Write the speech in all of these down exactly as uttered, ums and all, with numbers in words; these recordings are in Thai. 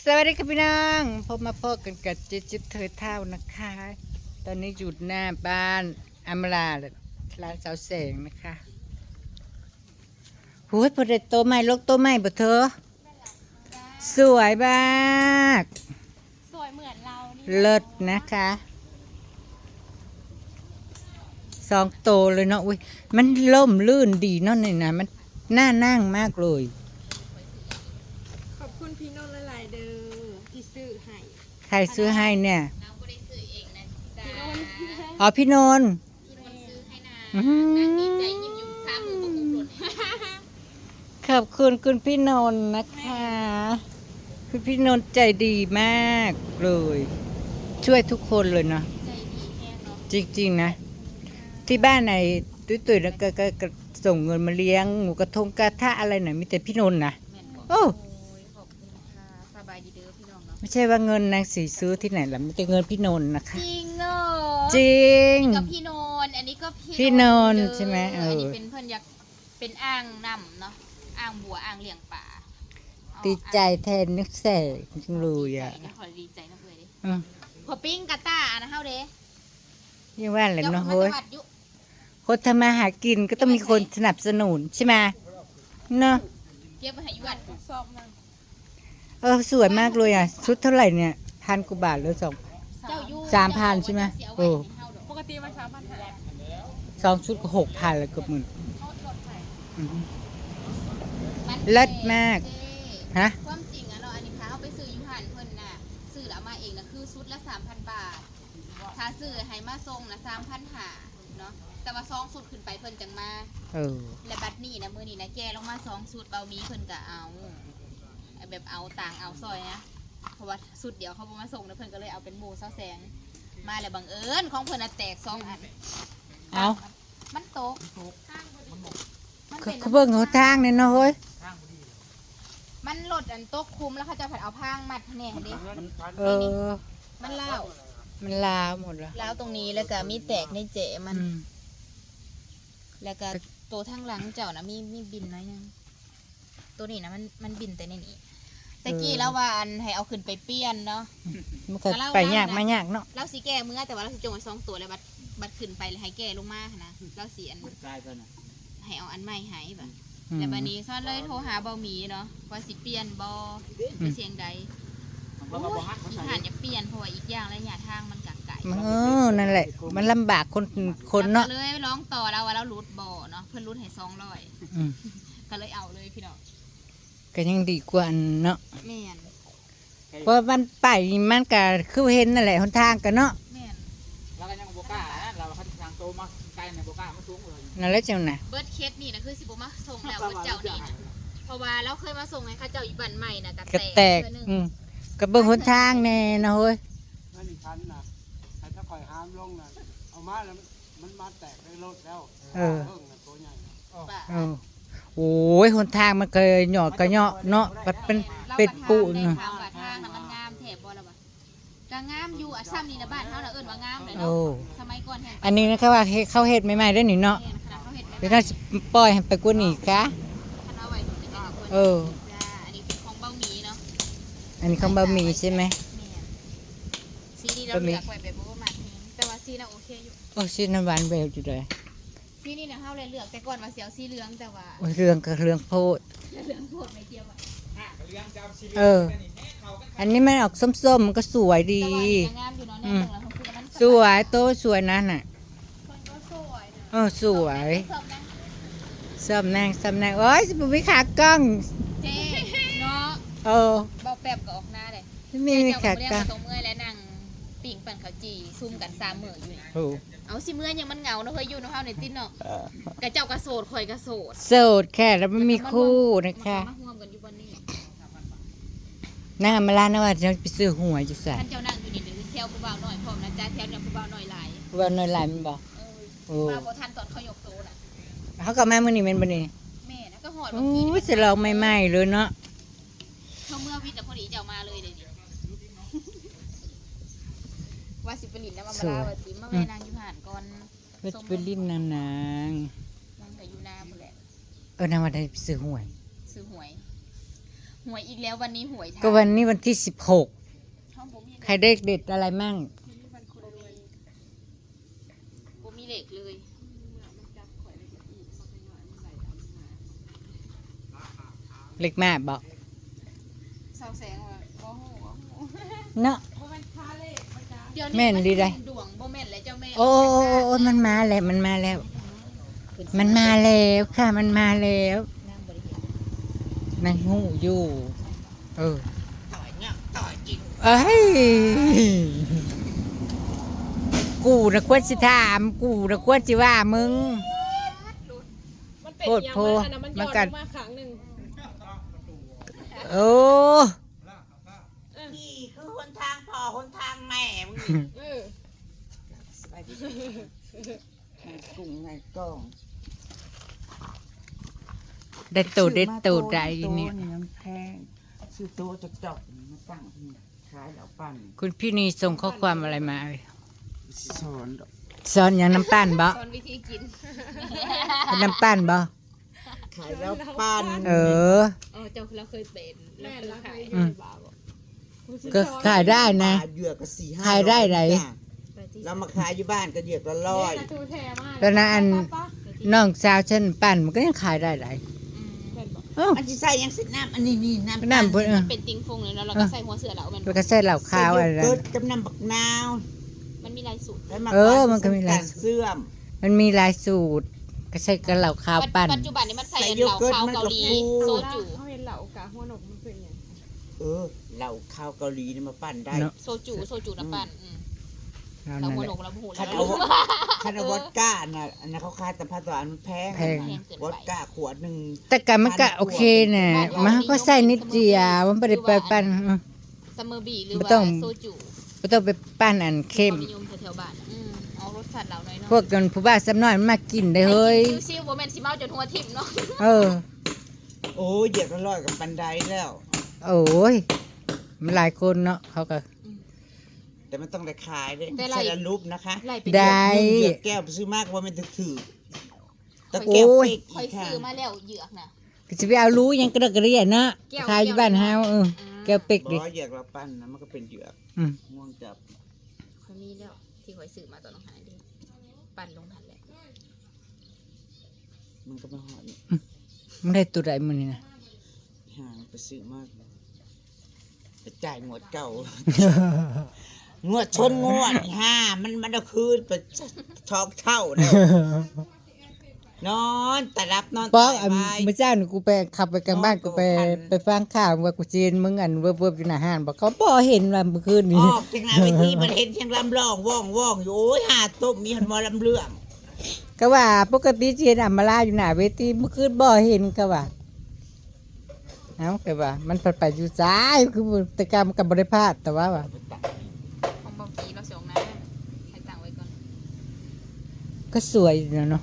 สวัสดีครับพี่น้องพบมาพบกันกับจิ๊บจิ๊บเธอเท่านะคะ ตอนนี้อยู่หน้าบ้านอำลาร้านเสาแสงนะคะหูยพอเด็ดโตใหม่ลกโตใหม่บ่เธอสวยมากสวยเหมือนเรานี่เลิศนะคะสองโตเลยเนาะอุ้ยมันล่มลื่นดีเนาะนี่นะมันน่านั่งมากเลยขอบคุณพี่นนท์หลายๆเด้อที่ซื้อให้ใครซื้อให้เนี่ยน้องก็ได้ซื้อเองนะพี่นนท์อ๋อพี่นนท์พี่นนท์ซื้อให้นะอื้อหือนางดีใจยิ้มอยู่ซ้ำมือประกบหล่นขอบคุณคุณพี่นนท์นะคะคุณพี่นนท์ใจดีมากเลย ช่วยทุกคนเลยเนาะใจดีแห้งเนาะจริงๆนะที่บ้านไหนตุ้ยๆแล้วก็ก็ก็ส่งเงินมาเลี้ยงหมูกระทงกระทะอะไรหน่อยมีแต่พี่นนท์นะแม่นบอกโอ้โอ้ยขอบคุณค่ะสบายดีเด้อพี่น้องเนาะไม่ใช่ว่าเงินนางสีซื้อที่ไหนล่ะมีแต่เงินพี่นนท์นะคะจริงเนาะจริงกับพี่นนท์อันนี้ก็พี่นนท์เด้อใช่ไหมเอออันนี้เป็นเพื่อนอยากเป็นอ่างน้ำเนาะอ่างบัวอ่างเลี้ยงปลาเอาดีใจแทนนึกแสจริงเลยอ่ะดีใจขอดีใจนะเพื่อนดิอืมพอปิ้งกาตาร์นะเฮาเด้ยังว่าแหละเจ้าเนาะมาเฮ้ยจังหวัดยุคนทำมาหากินก็ต้องมีคนสนับสนุนใช่ไหมเนาะเก็บไปให้ยุวัดสอบมาเออสวยมากเลยอ่ะชุดเท่าไหร่เนี่ยพันกว่าบาทหรือสองเจ้ายุสามพันใช่ไหมโอ้ปกติมันสามพันแหละสองชุดก็หกพันแล้วเกือบหมื่นเขาลดให้อืมมันเลิศมากเจ๊ฮะความจริงอะเราะอันนี้พาเขาไปซื้ออยูหันเพิ่นน่ะซื้อแล้วเอามาเองนะคือชุดละสามพันบาทถ้าซื้อให้มาส่งนะสามพันหาเนาะแต่ว่าซองสุดขึ้นไปเพิ่นจังมาเออและบัดนี้นะมือนี้นะแกลงมาสองสูตรเบามีเพิ่นก็เอาแบบเอาต่างเอาซอยนะเพราะว่าสูตรเดียวเขาบ่มาส่งนะเพิ่นก็เลยเอาเป็นหมูเศร้าแสงมาแล้วบังเอิญของเพิ่นน่ะแตกสองอันเอามันตกมันเขาเป็นเขาเบิ่งเขาทางเนี่ยเนาะเฮ้ยมันหลดอันตกคุมแล้วเขาจะผัดเอาพางมัดแน่เด้เออมันเล่าวมันลาหมดแล้วแล้วตรงนี้แล้วก็มีแตกในเจมันอืมแล้วก็ตัวทางหลังเจ้านะมีมีบินน้อยหนึงตัวนี้นะมันมันบินแต่ในนี้แต่กี้แล้วว่าอันให้เอาขึ้นไปเปลี่ยนเนาะมันก็ไปยากมายากเนาะเราสีแก่เมื่อแต่ว่าเราสีจงไว้สองตัวแล้วบัดบัดขึ้นไปเลยให้แก่ลงมานะเราสีอันให้เอาอันใหม่ให้แบบอืมแล้วบัดนี้ซ้อนเลยโทรหาเบาหมีเนาะว่าสิเปลี่ยนบอไปเสียงใดโอ้ยอีผ่านอย่าเปลี่ยนเพราะว่าอีกอย่างระยะทางมันกักไก่มันเออนั่นแหละ มันลำบากคนคนเนาะก็เลยร้องต่อเราว่าเรารูดบอเนาะเพื่อนรูดให้สองร้อยอืมก็เลยเอาเลยพี่น้องก็ยังดีกว่าอันเนาะแม่นเพราะมันไปมันก็คือเห็นนั่นแหละหนทางกันเนาะแม่นเราก็ยังโบก้านะเราเขาทางโตมาไกลในโบก้ามันสูงเลยนั่นแหละเจ้าน่ะเบิร์ดเคสนี่นะคือสิบมาส่งแล้วเบิร์ดเจ้านี่นะเพราะว่าเราเคยมาส่งให้เข้าเจ้าอยู่บ้านใหม่นะกระก็แตแตกเทื่อหนึ่งอืมก็เบิ่งหนทางแน่นะเฮ้ยนั่นอีกชั้นนะไอ้ถ้าคอยห้ามลงนะเอามาแล้วมันมาแตกในรถแล้วเออเพิ่งนะตัวใหญ่นะป่ะเออโอ้ยหนทางมันก็หยอดก็เหยาะเนาะมันเป็นเป็นปูนนทางว่าทางน่ะมันงามแถบบ่ละบ่ก็งามอยู่อ่ะซ้ำนี่นะบ้านเขาน่ะเอิ้นว่างามเลยโอ้เนาะสมัยก่อนแห่งอันนี้นะครับว่าเฮ็ดเข้าเฮ็ดใหม่ๆได้อนี่เนาะแม่นขนาดเขาเฮ็ดเดี๋ยวแม่น่าจะปล่อยให้ไปกว่านี้ค่ะคณะไว้จะเป็นคนเออจ้าอันนี้เป็นของเบ้าหมีเนาะอันนี้ของบะหมี่ใช่ไหมแม่นซีนี่เราเลือกไว้แบบบ่ประมาทแฮงแต่ว่าซีน่ะโอเคอยู่โอ้ชื่อน้ำหวานแววอยู่เลยซีนี่น่ะเฮาเลยเลือกแต่ก่อนว่าสิเอาสีเหลืองแต่ว่าโอ้ยเรื่องก็เรื่องโพดเหลืองโพดไม่เกี่ยวอะเออ อันนี้มันออกส้มๆมันก็สวยดีแต่ว่าอันนี้งามอยู่เนาะแน่เบิ่งแล้วเขาซื้อแล้วมันสวยโตสวยนั่นน่ะคนก็สวยนะเออสวยชอบนะส้มนางส้มนางโอ้ยสิบุมิขากล้องเจ๊เนาะเออเบาแป๊บก็ออกหน้าเลยไม่มีเจ้าขากล้องก็บ่ได้มาตรงเมื่อยและนั่งปิ่งปั่นข้าวจี่ซุ่มกันสามมื้ออยู่นี่โอ้เอาสิเมื่อยยังมันเหงาเนาะเฮ้ยอยู่เนาะเฮาในติดเนาะกะเจ้ากะโสดข่อยกะโสดโสดแค่แล้วไม่มีคู่นะคะมาร่วมกันอยู่บนนี้นางอำมาลานะว่าจะไปซื้อหวยจะใส่ท่านเจ้านั่งอยู่นี่เดี๋ยวเซลผู้บ่าวหน่อยพร้อมนะจ๊ะแถวเนี่ยผู้บ่าวหน่อยหลายวันน้อยหลายมันบอกเออโอ้มาบ่ทันตอนเขายกโตน่ะเขากับแม่มือนี่เป็นบันนี้แม่นะก็หอดโอ้บางทียจะลองใหม่ๆเลยเนาะเขาเมื่อวิทย์แต่พอดีเจ้ามาเลยเดี๋ยวนี้ว่าสิไปลินแล้วมามาลาว่าสิมาแม่นางอยู่ห่านก่อนก็จะไปลิ้นนางนางนางก็อยู่นาพุ่นแหละเออนางวันได้ไปซื้อหวยซื้อหวยหวยอีกแล้ววันนี้หวยไทยก็วันนี้วันที่สิบหกห้องผมมีใครได้เด็ดอะไรมั่งผมมีเหล็กเลยเล็กมากบอกเสาแสงว่าบ่ฮู้บ่ฮู้เนาะเดี๋ยวแม่นดีได้ดวงบ่แม่นแล้วเจ้าแม่โอ้โอ้โอ้โอ้มันมาแล้วมันมาแล้ว มันมาแล้วค่ะมันมาแล้วนั่งบริเวณนางหูอยู่ เออต่อยเนี่ยต่อยจริงเอ้ยกูนะควรสิถามกูนะควรสิว่ามึงมันเป็นโพดอย่างโพมันอันนั้นมันมัย้นอนกัดลงมาครั้งหนึ่งโอ้พี่คือคนทางพ่อคนทางแม่มึงเออสบายดีในกุ้งในกล้องได้ตูดได้ตูดได้เนี่ยซื้อมาโต๊ะมันแพงซื้อโต๊ะจะจอกมาตั้งที่ขายแล้วปั่นคุณพี่นีส่งข้อความอะไรมาสอนสอนอย่างน้ำตาลบ่สอนวิธีกินเป็นน้ำตาลบ่ขายแล้วปั่นเออเออเจ้าเราเคยเป็นแม่เรารักเคยใครขายให้บาบอกก็ขายได้นะเหยื่อก็สี่ห้าขายได้ไหนไปที่เรามาขายอยู่บ้านก็เหยื่อก็ร้อยแม่นะทูแท้มากแล้วนะอันป้าน้องสาวฉันปั่นมันก็ยังขายได้หลายอืมแม่นบอกเอ้าอันที่ใส่ยังสิน้ำอันนี้นี่น้ำน้ำเพิ่นเออเป็นติงฟงเลยเนาะเราก็ใส่หัวเสือแล้วมันแล้วก็ใส่เหล้าขาวอะไรใส่โยเกิร์ตกับน้ำบักนาวมันมีลายสูตรแล้วมาเออมันก็มีหลายรเสื่อมมันมีหลายสูตร ก็ใส่กับเหล้าขาวปั่นปัจจุบันนี้มันใส่ใส่เหโยล้าเกิร์ตขาวมันก็เกาหลีฟูโซจูเขาเห็นเหล่ากาหัวหนกมันเป็นอย่างเออเหล้าข้าวเกาหลีนี่มาปั่นได้เนาะโซจูโซจูน้ำปั่นอืมเราเรานั่นหัวแหโหนละกเราหูคัแล้นวเอาคันเอาวอดก้าน่ะอันนั้นเขาขายแต่ผ้าตัวอันมันแพงแพงวอดก้าขวดหนึ่งแต่กันมันก็โอเคน่ะมันก็ใส่นิดเดียวมันไม่ได้ไปปั่นเออซัมเมอร์บีหรือไม่ว่าต้องโซจูไม่ต้องไปปั่นอันเข้มความนิยมแถวๆบ้านอืมเอารสชาติเราหน่อยเนาะพวกกันผู้บ้านซ้ำน้อยมันมากินได้เฮ้ยซิวๆบ่แม่นสิเมาจนหัวทิ่มเนาะเออโอ้ยเหยียบละร้อยกับปันไดแล้วโอ้ยมันหลายคนเนาะเขาก็แต่มันต้องได้ขายด้วยแต่ไรใช่ละรูปนะคะไล่เป็นได้เหยียบแก้วไปซื้อมากว่ามันถึกถือตะโอ้แก้วย เป๊กคออียกค่ะซื้อมาแล้วเหยือกน่ะก็จะไปเอารู้ยังกระดกกระเรียนเนาะแก้วขายอยู่บ้านเฮาเออแก้วเป็กบดิอเหยียบเราปั้นนะมันก็เป็นเหยือกอืมง่วงจับคอยมีแล้วที่คอยซื้อมาตอนน้องหายดิปั่นลงทันแหละมันก็มาหอดมันได้ตัวใดมื้อนี้นะห่างไปซื้อมากไปจ่ายงวดเก่า งวดชนงวดห้ามันมันเอาคืนไปช็อกเท่าเลยนอนแต่รับนอนป๊อกตายอันไปเมื่อเช้านี่กูไปขับไปกลางบ้านกูไปไปฟังข่าวว่ากูจีนมึงอันเวิบๆอยู่หน้าห้างบอกเขาบ่เห็นว่าเมื่อคืนอนี้อกจากหน้าเวทีมันเห็นเชียงลำร้องว่องว่องอยู่โอ้ยหาต้มมีหันมอลำเรื่องก็ว่าปกติจีนอัมมาลาอยู่หน้าเวทีเมื่อคืนบ่เห็นก็ว่าเอ้าก็ว่า มันไปๆอยู่ซ้ายคือแต่กรรมกับบริพลาดแต่ว่าว่าของเบากีเราส่งนะให้ตังไว้ก่อนก็สวยอยู่นะเนาะ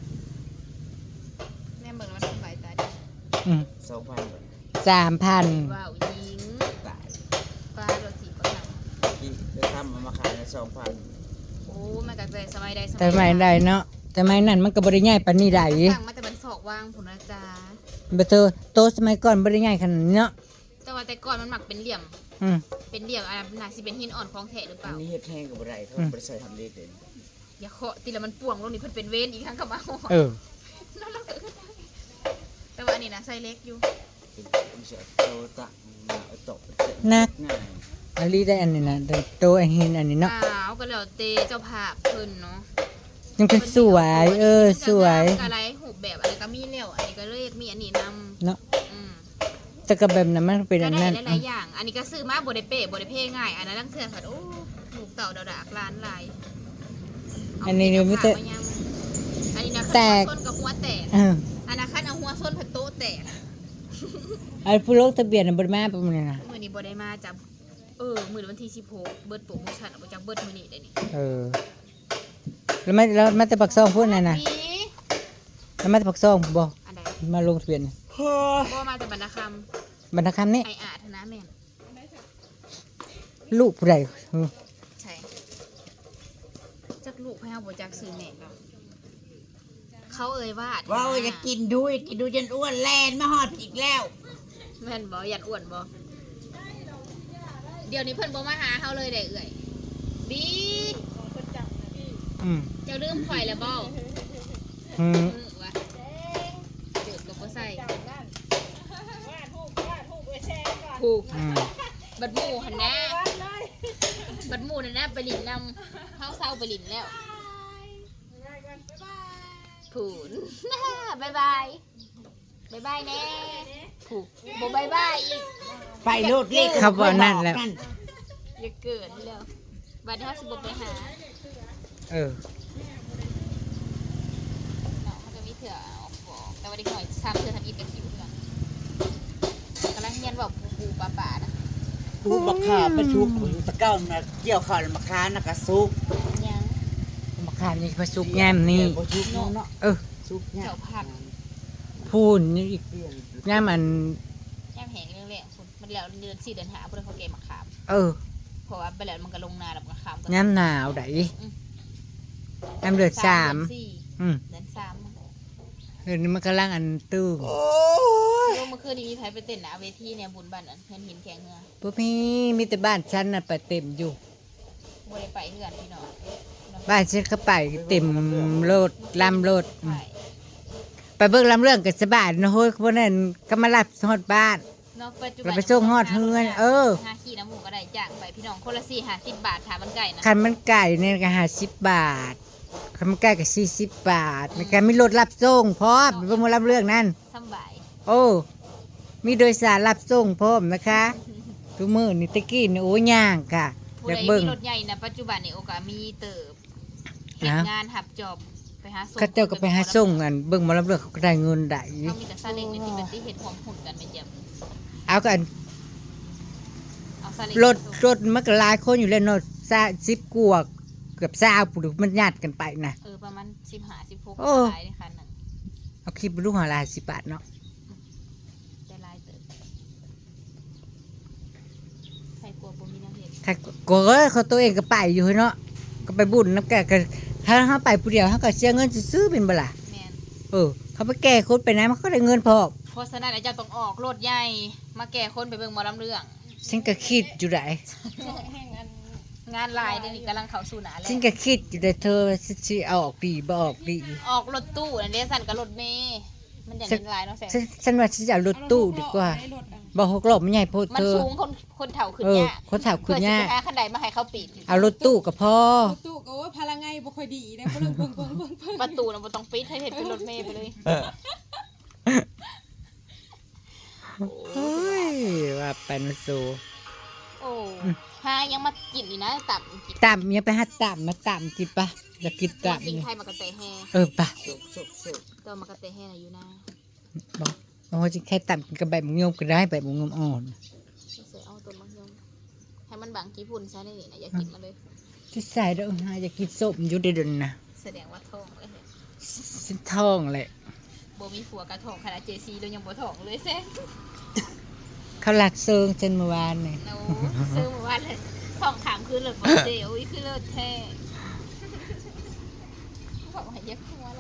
แม่เบิ่งแล้วมันสบายตาดีอืมสองพันสามพันว้าวยิงตายปลาโรตีปลาหนังกี่ได้ทำเอามาขายในสองพันโอ้มันก็แต่สมัยใดสมัยแต่ไม่ได้เนาะแต่ไม่นั่นมันก็บริง่ายปานนี้ได้สั่งมาแต่มันศอกวางผุนนะจ๊ะเบเตอร์โตสมัยก่อนบริง่ายขนาดนี้เนาะแต่ว่าแต่ก่อนมันหมักเป็นเหลี่ยมอืมเป็นเหลี่ยมอะไรน่าสิเป็นหินอ่อนของแท้หรือเปอัล่านนี้เฮ็ดแห้งกับอะไรเขาอืมบริษัททำเล็กเลยอย่าเคาะตีละมันป่วงลงนี่เพิ่นเป็นเวนอีกครั้งกับเอาเออนั่นเราเกิดขึ้นได้แต่ว่าอันนี้นะไซส์เล็กอยู่เป็นบริษัทโตตะเอาตกนักง่ายอันนี้ได้อันนี้นะได้โตอันนี้อันนี้เนาะอ้าวก็แล้วเตเจ้าภาพเพิ่นเนาะยังเป็นสวยเออสวยอะไรหูปแบบอะไรก็มีแล้วอันนี้ก็เลยมีอันนี้นำเนาะอืมแต่ก็แบบนั้นมันเป็นก็อันได้นั้นหลายๆอย่าง อันนี้ก็ซื้อมาบ่ได้เป๊ะบ่ได้เพ่ง่าย อันนั้นตั้งเทื่อค่ะโอ้หมูเต่าดาวดากล้านลายเาอันนี้นี่ไม่ใช่เอาผ้าายังอันนี้นะแตกคันหัวส้นกับหัวแตกเอออันนั้นคันเอาหัวส้นผัดโต๊ะแตกไอ้ผู้ลงทะเบียนน่ะบ่ได้มาประมาณนี้นะมื้อนี้บ่ได้มาจับเออมื้อวันที่สิบหกเบิดโปรโมชั่นเอาไปจากเบิดมื้อนี้ได้นี่เออ แล้วมาแล้วมาแต่ปักซองพูดนั่นน่ะมีแล้วมาแต่ปักซองบ่อันใดมาลงทะเบียนน่ะบ่มาแต่บรรณาคบรรณาคำนี้ำไออาธนาแม่นลูกผู้ใดเออใช่จักลูกให้เฮาบ่จักซื้อแม่ก็เขาเอ่ยว่าว้าวจะกินดูอยากกินดูจนอ้วนแลนมาหอดอีกแล้วแม่นบ่ยันอ้วนบ่เดี๋ยวนี้เพิ่นบ่มาหาเฮาเลยได้เอ่ยบีอืมเจ้าลืมข่อยแล้วบ่อืมเออวะเดือดก็บ่ใส่ถูกอืมบัดหมู่หั่นนะบัดหมู่นั่นนะไปหลินนำเฮาเศร้าไปหลินแล้วผูน บ๊ายบายบ๊ายบายแน่ผูกบ่บ๊ายบายอีกไปโลดเลขเขาบอกนั่นแหละอย่าเกิดแล้วบัดนี้เฮาสิบ่ไปหาเออเนาะมันก็มีเถื่อออกบอกแต่ว่าเด็กน้อยซ้ำเถื่อทำอีกกับคิวเถื่อกำลังเรียนบอกปูปูปลาปลานะปูบักขาไปชุกขุนตะเก้ามาเกี่ยวข้าวแล้วมาค้านะกะซุกยังมาขามนี่พระสุกแง่มนี่เดี๋ยวบ่ชุกเนาะเนาะเออซุกเนี่ยเจ้าผักพูนนี่อีกแง่มอันแยมแหงเรื่องแรกคุณมันแล้วเดือนสี่เดือนหาเพื่อนเขาเก็บมาขามเออเพราะว่าไปแล้วมันก็ลงนาแล้วมันก็ขามกันแง่มหนาวไดแง่มเดือดสามเดือนสี่อืมเดือนสามเดือนนี้มันกำลังอันตื้มโอ้ยเมื่อคืนนี้มีใครไปเต้นหนะเวทีเนี่ยบุญบ้านนั้นเงินหินแข็งเงือพวกพี่มีแต่บ้านฉันน่ะไปเต็มอยู่บ่ได้ไปเพื่อนพี่น้องบ้านฉันก็ไปเต็มโลดลำโลดอืมใช่ไปเบิ่งลำเรื่องกับสบายนะเฮ้ยพวกนั้นก็มารับฮอดบ้านเนาะปัจจุบัเราไปส่งฮอดเฮือนเออห้าขี้น้ำหมูก็ได้จ้างไปพี่น้องคนละสี่ห้าสิบบาทถามมันไก่นะคันมันไก่เนี่ยก็ห้าสิบบาทคันมันไก่ก็สี่สิบบาทมันก็มีรถรับส่งพร้อมไปเบิ่งหมาลำเรื่องนั่นสำบายโอ้ มีโดยสารรับส่งพร้อมนะคะทุกมื้อนี่ตะกี้นี่โอ้ย่างค่ะผู้อยากใดเบิ่งมีรถใหญ่นะปัจจุบันนี่โอกาสมีเติบเฮ็ดนะงานหับจอบไปหาส่งเขาเจ้าก็ไปหาส่งกันเบิ่งหมาลำเรื่องเขาก็ได้เงินได้เขามีแต่ซาเล้งในที่เป็นที่เห็ดความหุ่นกันไม่เจ็บเอากันเอาซาเล้งรถรถมันก็หลายคนอยู่แล้วเนาะซะสิบกว่าเกือบ20ปุมันญาติกันไปนะเออประมาณสิบห้าสิบหกโอ้ลายในคันนั้นเอาคลิปไปดูหาลายสิบบาทเนาะได้ลายเติบใครกลัวบ่มีน้ำเห็ดถ้าก็เอ้ยเขาตัวเองก็ไปอยู่เนาะก็ไปบุญน้ำแก่ก็ถ้าเขาไปผู้เดียวเขาก็เสียเงินซื้อๆเป็นบ่ล่ะแมนเออเขาไปแก้คนไปนะมันก็ได้เงินพอเพราะฉะนั้นอาจารย์ต้องออกรถใหญ่มาแก่คนไปเบิ่งหมอลำเรื่องฉันก็คิดอยู่ได้งานลายเดี๋ยวนี้กำลังเข้าสู่หนาแล้วฉันก็คิดอยู่ได้เธอว่าสิสิเอาออกดีบ่ออกดีออกรถตู้อันนี้สั่นกับรถเมย์มันอย่างนี้ลายเนาะแสงฉันฉันว่าฉันจะเอารถตู้ดีกว่าบ่หกล้อมันใหญ่โพดมันเธอสูงคนคนเฒ่าขึ้นเออยากคนถามคุณย่าเพื่อสิไปหาคันใดมาให้เขาปิดเอารถตู้ก็พอตู้ก็ว่าพลังไงบ่ค่อยดีนะเพิ่งเพิ่งเพิ่งเพิ่งเพิ่งประตูน่ะบ่ต้องปิดให้เห็นเป็นรถเมย์ไปเลยเฮ้ยว่าไปนะสูโอ้หายังมากินอีกนะตับกินตามยังไปหาตามมาตามกินปะอยากกินตามสิ่งนี่ไทยมากระเตะแห่เออปะสุกสุกสุกตัวมากระเตะแห่น่ะอยู่นะบอกบอกว่าจะแค่ตามกินกับใบมะยมก็ได้ใบมะยมอ่อนใส่เอาต้นมะยมให้มันบางกี่พุ่นซะนี่นะอย่ากินมาเลยที่ใส่เด้อหาอยากกินส้มอยู่เดยวดนนะแสดงว่าท้องเลยฉันท้องแหละบ่มีผัวกระท้องขนาดเจซีเรายังบ่ท้องเลยแซ่เขาหลักเซิงฉันเมื่อวานนี่โน้ซื้อมาว่าเลยท้องขามคือเลิศบ่เจ๋อุ้ยคือเลิศแท้บอกว่าอย่าคัวอะไร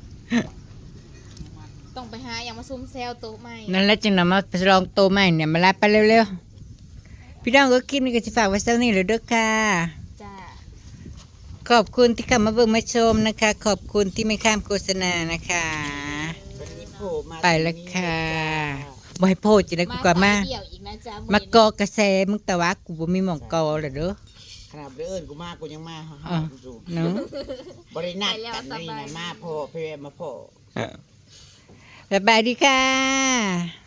ต้องไปหาอย่างมาซุ่มแซวโต๊ะใหม่นั่นแหละจึงนำมาไปลองโตใหม่เนี่ยมารับไปเร็วๆพี่น้องก็คลิปนี้ก็จะฝากไว้เท่านี้เลยเด้อค่ะจ้าขอบคุณที่เข้ามาเบิ่งมาชมนะคะ ขอบคุณที่ไม่ข้ามโฆษณานะคะวันนี้โผล่มาไปแล้วค่ะบ่ให้โพดจะได้กูกว่ามาสยเดี่ยวอีกนะจ๊ะมากอกระแสมึงแต่ว่ากูบ่มีหม่องกอเลยเด้อขนาดเดินกูมากูยังมาหาอ่ะดูเนาะบริณัทกันนี่นะมาพ่อเพื่อมาพ่อบ๊ายบายดีค่ะ